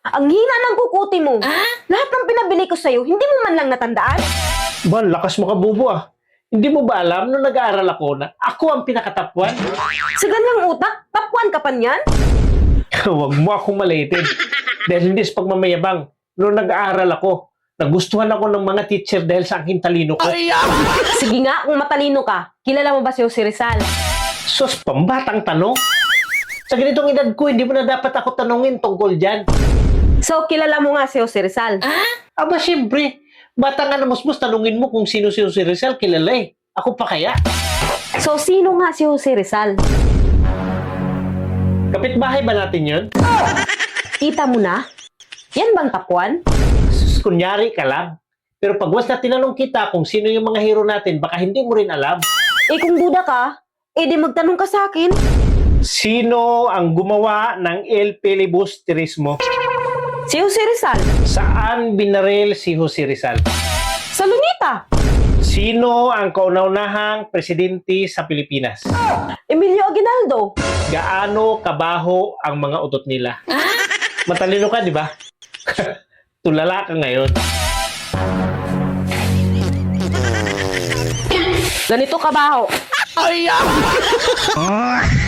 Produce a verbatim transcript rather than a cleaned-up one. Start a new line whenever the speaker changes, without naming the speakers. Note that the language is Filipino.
Ang hina ng kukuti mo. Lahat ng pinabili ko sa'yo, hindi mo man lang natandaan?
Ba, lakas mo ka, bubo ah. Hindi mo ba alam nung nag-aaral ako na ako ang pinakatapwan?
Sa ganyang utak, tapuan ka pa niyan?
Huwag mo akong maliitin. Dahil hindi sa pagmamayabang. Nung nag-aaral ako, nagustuhan ako ng mga teacher dahil sa aking talino ko.
Sige nga, kung matalino ka, kilala mo ba si Jose Rizal?
Sus, pambatang tanong. Sa ganitong edad ko, hindi mo na dapat ako tanungin tungkol dyan.
So, kilala mo nga si Jose Rizal?
Aba, siyempre. Bata nga na musmus, tanungin mo kung sino si Jose Rizal, kilala eh. Ako pa kaya?
So, sino nga si Jose Rizal?
Kapitbahay ba natin yun?
Kita mo na? Yan bang tapuan?
Sus, kunyari ka lang. Pero pag was na tinanong kita kung sino yung mga hero natin, baka hindi mo rin alam.
Eh kung duda ka, eh di magtanong ka sa akin.
Sino ang gumawa ng El Filibusterismo?
Si Jose Rizal?
Saan binaril si Jose Rizal?
Sa Lunita?
Sino ang kauna-unahang presidente sa Pilipinas?
Emilio Aguinaldo?
Gaano kabaho ang mga utot nila? Matalino ka, di ba? Tulala ka ngayon.
Ganito kabaho.
Ay, ah!